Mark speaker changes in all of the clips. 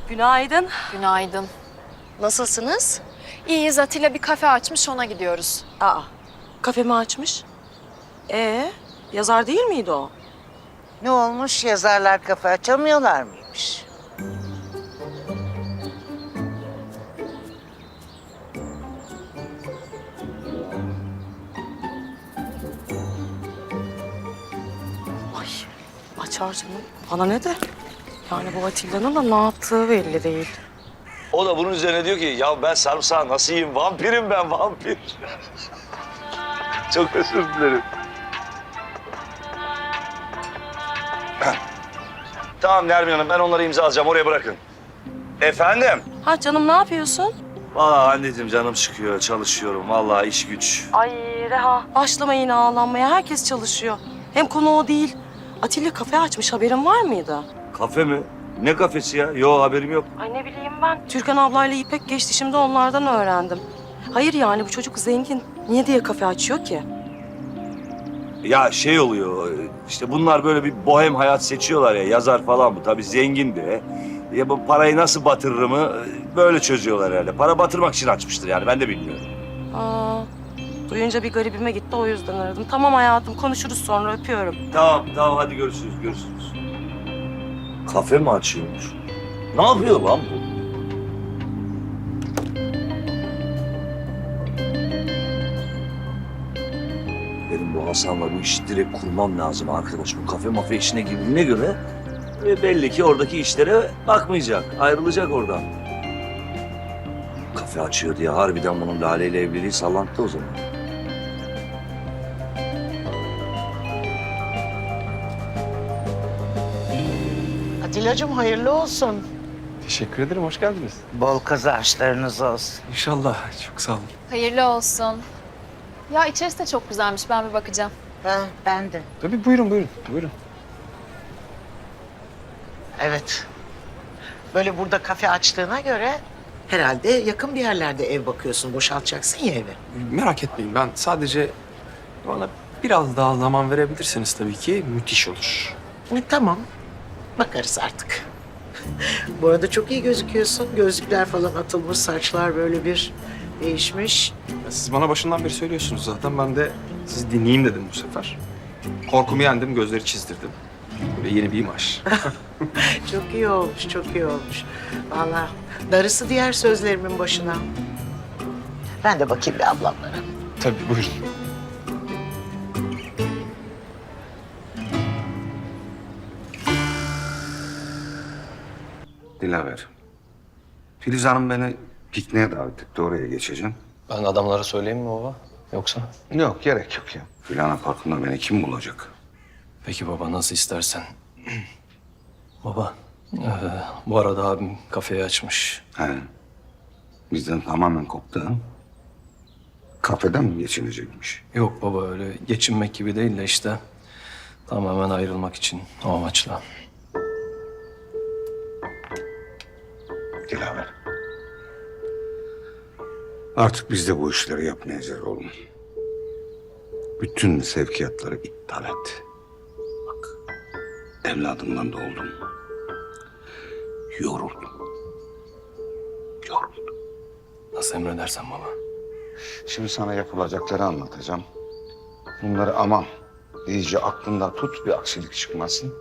Speaker 1: Günaydın.
Speaker 2: Günaydın.
Speaker 1: Nasılsınız?
Speaker 2: İyiyiz. Atilla bir kafe açmış, ona gidiyoruz.
Speaker 1: Aa, kafemi açmış. Yazar değil miydi o?
Speaker 3: Ne olmuş, yazarlar kafa açamıyorlar mıymış?
Speaker 1: Ay, açar canım. Bana ne de? Yani bu Atilla'nın da ne yaptığı belli değil.
Speaker 4: O da bunun üzerine diyor ki ya ben sarımsağı nasıl yiyeyim? Vampirim ben, vampir. Çok özür dilerim. Tamam Nermin Hanım, ben onları imzalayacağım. Oraya bırakın. Efendim?
Speaker 1: Ha canım, ne yapıyorsun?
Speaker 4: Vallahi anneciğim canım çıkıyor, çalışıyorum. Vallahi iş güç.
Speaker 1: Ay Reha, başlama yine ağlanmaya. Herkes çalışıyor. Hem konu o değil. Atilla kafe açmış, haberin var mıydı?
Speaker 4: Kafe mi? Ne kafesi ya? Yo, haberim yok.
Speaker 1: Ay ne bileyim ben. Türkan ablayla İpek geçti, şimdi onlardan öğrendim. Hayır yani bu çocuk zengin. Niye diye kafe açıyor ki?
Speaker 4: Ya şey oluyor, işte bunlar böyle bir bohem hayat seçiyorlar ya, yazar falan bu. Tabii zengin de. Ya bu parayı nasıl batırırımı böyle çözüyorlar herhalde. Para batırmak için açmıştır yani, ben de bilmiyorum.
Speaker 1: Aa, duyunca bir garibime gitti, o yüzden aradım. Tamam hayatım, konuşuruz sonra, öpüyorum.
Speaker 4: Tamam, tamam hadi görüşürüz, görüşürüz. Kafe mi açıyormuş? Ne yapıyor lan bu? Benim bu Hasan'la bu işi direkt kurmam lazım arkadaş. Bu kafe mafya işine girdiğine göre belli ki oradaki işlere bakmayacak. Ayrılacak oradan. Kafe açıyor diye harbiden bunun Lale ile evliliği sallanttı o zaman.
Speaker 3: Atilla'cığım hayırlı olsun.
Speaker 5: Teşekkür ederim, hoş geldiniz.
Speaker 3: Bol kazançlarınız olsun.
Speaker 5: İnşallah, çok sağ olun.
Speaker 2: Hayırlı olsun. Ya içerisi de çok güzelmiş. Ben bir bakacağım.
Speaker 3: Ha, ben de.
Speaker 5: Tabii buyurun, buyurun.
Speaker 3: Evet. Böyle burada kafe açtığına göre herhalde yakın bir yerlerde ev bakıyorsun. Boşaltacaksın ya evi.
Speaker 5: Merak etmeyin, ben sadece bana biraz daha zaman verebilirseniz tabii ki müthiş olur.
Speaker 3: Tamam. Bakarız artık. Bu arada çok iyi gözüküyorsun. Gözlükler falan atılmış, saçlar böyle bir değişmiş.
Speaker 5: Siz bana başından beri söylüyorsunuz zaten, ben de sizi dinleyeyim dedim bu sefer. Korkumu yendim, gözleri çizdirdim. Böyle yeni bir imaj.
Speaker 3: Çok iyi olmuş, çok iyi olmuş. Vallahi darısı diğer sözlerimin başına. Ben de bakayım bir ablamlara.
Speaker 5: Tabii, buyurun.
Speaker 6: Dilaver. Filiz Hanım beni pikniğe davet etti. Oraya geçeceğim.
Speaker 7: Ben adamlara söyleyeyim mi baba? Yoksa?
Speaker 6: Yok, gerek yok ya. Gülhane Parkı'nda beni kim bulacak?
Speaker 7: Peki baba, nasıl istersen. Baba, bu arada abim kafeyi açmış.
Speaker 6: He. Bizden tamamen koptu ha. Kafeden mi geçinecekmiş?
Speaker 7: Yok baba, öyle geçinmek gibi değil de işte tamamen ayrılmak için o amaçla.
Speaker 6: Dilaver. Artık biz de bu işleri yapmayacağız oğlum. Bütün sevkiyatları iptal et. Bak, evladımdan da oldum. Yoruldum. Yoruldum.
Speaker 7: Nasıl emredersen baba.
Speaker 6: Şimdi sana yapılacakları anlatacağım. Bunları aman iyice aklında tut, bir aksilik çıkmasın.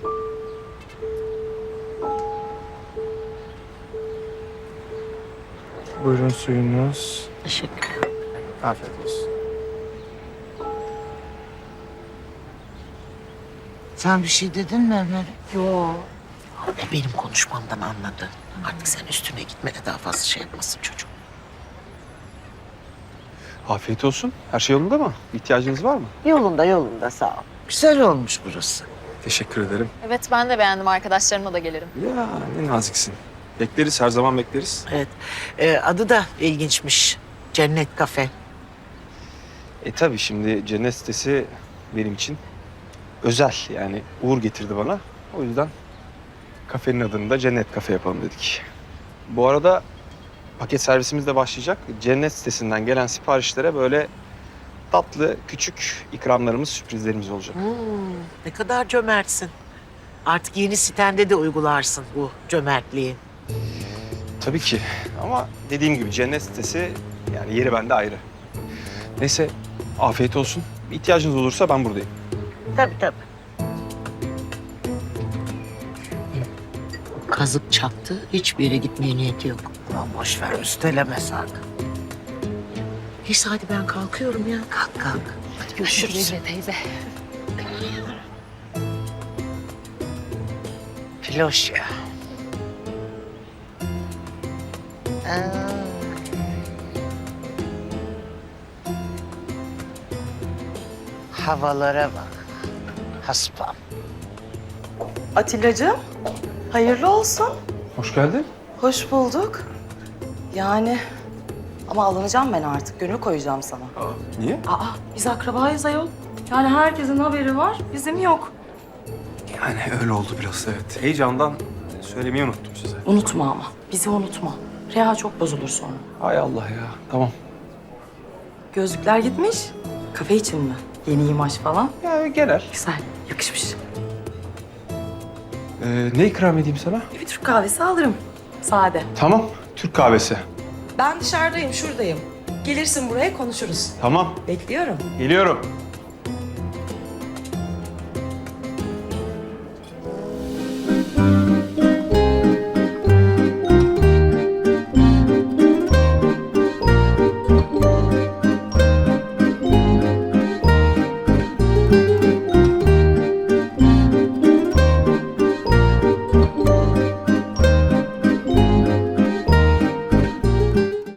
Speaker 5: Buyurun suyunuz.
Speaker 3: Teşekkür.
Speaker 5: Afiyet olsun.
Speaker 3: Sen bir şey dedin mi Ömer? Yok. Benim konuşmamdan anladı. Artık sen üstüne gitme de daha fazla şey yapmasın çocuk.
Speaker 5: Afiyet olsun. Her şey yolunda mı? İhtiyacınız var mı?
Speaker 3: Yolunda yolunda sağ ol. Güzel olmuş burası.
Speaker 5: Teşekkür ederim.
Speaker 2: Evet, ben de beğendim. Arkadaşlarımla da gelirim.
Speaker 5: Ya ne naziksin. Bekleriz, her zaman bekleriz.
Speaker 3: Evet. Adı da ilginçmiş. Cennet Kafe.
Speaker 5: Tabii şimdi cennet sitesi benim için özel. Yani uğur getirdi bana. O yüzden kafenin adını da Cennet Kafe yapalım dedik. Bu arada paket servisimiz de başlayacak. Cennet sitesinden gelen siparişlere böyle tatlı, küçük ikramlarımız, sürprizlerimiz olacak.
Speaker 3: Ne kadar cömertsin. Artık yeni sitende de uygularsın bu cömertliği.
Speaker 5: Tabii ki ama dediğim gibi cennet sitesi yani yeri bende ayrı. Neyse afiyet olsun. İhtiyacınız olursa ben buradayım.
Speaker 3: Tabii tabii. Kazık çaktı. Hiçbir yere gitmeye niyeti yok. Aman boş ver, üsteleme sakın. Neyse hadi ben kalkıyorum ya. Kalk kalk. Hadi görüşürüz.
Speaker 2: Teyze.
Speaker 3: Filoş ya. Havalara bak. Haspam.
Speaker 1: Atillacığım, hayırlı olsun.
Speaker 5: Hoş geldin.
Speaker 1: Hoş bulduk. Yani ama alınacağım ben artık. Gönül koyacağım sana.
Speaker 5: Niye?
Speaker 1: Biz akrabayız ayol. Yani herkesin haberi var, bizim yok.
Speaker 5: Yani öyle oldu biraz evet. Heyecandan söylemeyi unuttum size.
Speaker 1: Unutma ama, bizi unutma. Reha çok bozulur sonra.
Speaker 5: Hay Allah ya. Tamam.
Speaker 1: Gözlükler gitmiş. Kafe için mi? Yeni imaj falan.
Speaker 5: Ya genel.
Speaker 1: Güzel, yakışmış.
Speaker 5: Ne ikram edeyim sana?
Speaker 1: Bir Türk kahvesi alırım. Sade.
Speaker 5: Tamam. Türk kahvesi.
Speaker 1: Ben dışarıdayım, şuradayım. Gelirsin buraya konuşuruz.
Speaker 5: Tamam.
Speaker 1: Bekliyorum.
Speaker 5: Geliyorum.